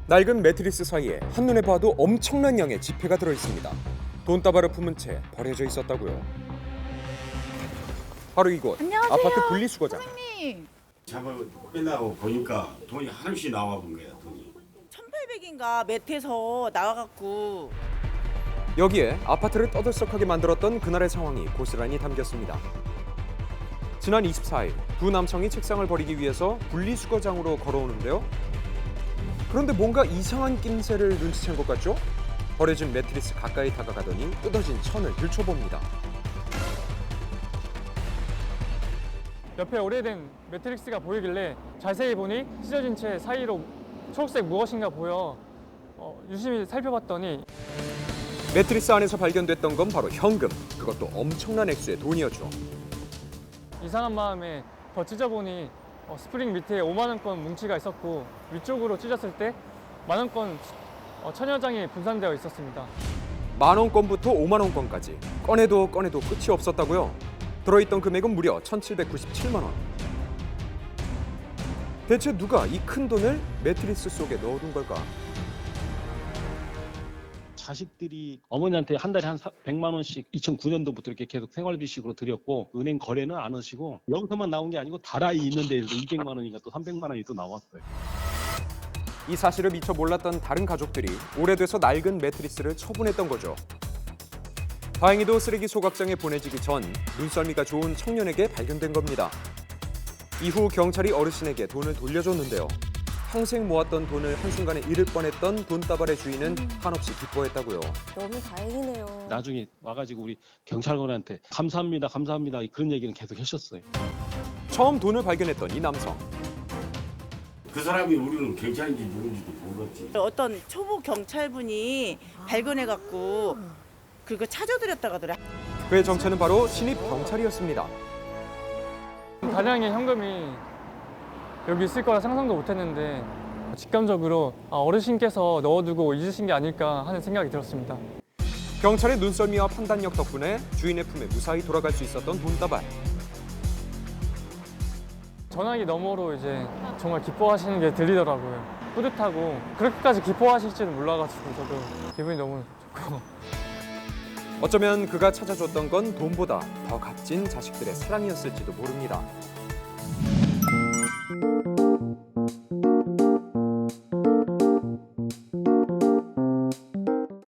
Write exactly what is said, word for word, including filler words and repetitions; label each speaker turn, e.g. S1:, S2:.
S1: 낡은 매트리스 사이에 한눈에 봐도 엄청난 양의 지폐가 들어있습니다. 돈다발을 품은 채 버려져 있었다고요. 바로 이곳
S2: 안녕하세요.
S1: 아파트 분리수거장.
S2: 선생님.
S3: 작업을 끝나고 보니까 돈이 한없이 나와 본 거야, 돈이.
S2: 천팔백인가 매트에서 나와갖고
S1: 여기에 아파트를 떠들썩하게 만들었던 그날의 상황이 고스란히 담겼습니다. 지난 이십사일 두 남성이 책상을 버리기 위해서 분리수거장으로 걸어오는데요. 그런데 뭔가 이상한 낌새를 눈치챈 것 같죠? 버려진 매트리스 가까이 다가가더니 뜯어진 천을 들춰봅니다.
S4: 옆에 오래된 매트릭스가 보이길래 자세히 보니 찢어진 채 사이로 초록색 무엇인가 보여 어, 유심히 살펴봤더니
S1: 매트리스 안에서 발견됐던 건 바로 현금. 그것도 엄청난 액수의 돈이었죠.
S4: 이상한 마음에 더 찢어보니 어, 스프링 밑에 오만 원권 뭉치가 있었고 위쪽으로 찢었을 때 만 원권 어, 천여 장이 분산되어 있었습니다.
S1: 만 원권부터 오만 원권까지 꺼내도 꺼내도 끝이 없었다고요. 들어있던 금액은 무려 천칠백구십칠만 원. 대체 누가 이 큰 돈을 매트리스 속에 넣어둔 걸까?
S5: 자식들이 어머니한테 한 달에 한 백만 원씩 이천구 년도부터 이렇게 계속 생활비식으로 드렸고 은행 거래는 안 하시고 여기서만 나온 게 아니고 다라이 있는 데에서 이백만 원인가 또 삼백만 원이 또 나왔어요.
S1: 이 사실을 미처 몰랐던 다른 가족들이 오래돼서 낡은 매트리스를 처분했던 거죠. 다행히도 쓰레기 소각장에 보내지기 전 눈썰미가 좋은 청년에게 발견된 겁니다. 이후 경찰이 어르신에게 돈을 돌려줬는데요. 평생 모았던 돈을 한순간에 잃을 뻔했던 돈다발의 주인은 한없이 기뻐했다고요.
S6: 너무 다행이네요.
S5: 나중에 와가지고 우리 경찰관한테 감사합니다, 감사합니다 그런 얘기는 계속 하셨어요.
S1: 처음 돈을 발견했던 이 남성.
S3: 그 사람이 우리는 경찰인지 누군지도 몰랐지.
S2: 어떤 초보 경찰분이 발견해갖고 그거 찾아드렸다고 하더라.
S1: 그의 정체는 바로 신입 경찰이었습니다.
S4: 다량의 현금이 여기 있을 거라 상상도 못했는데 직감적으로 아, 어르신께서 넣어두고 잊으신 게 아닐까 하는 생각이 들었습니다.
S1: 경찰의 눈썰미와 판단력 덕분에 주인의 품에 무사히 돌아갈 수 있었던 돈다발.
S4: 전화기 너머로 이제 정말 기뻐하시는 게 들리더라고요. 뿌듯하고 그렇게까지 기뻐하실 줄은 몰라가지고 저도 기분이 너무 좋고.
S1: 어쩌면 그가 찾아줬던 건 돈보다 더 값진 자식들의 사랑이었을지도 모릅니다.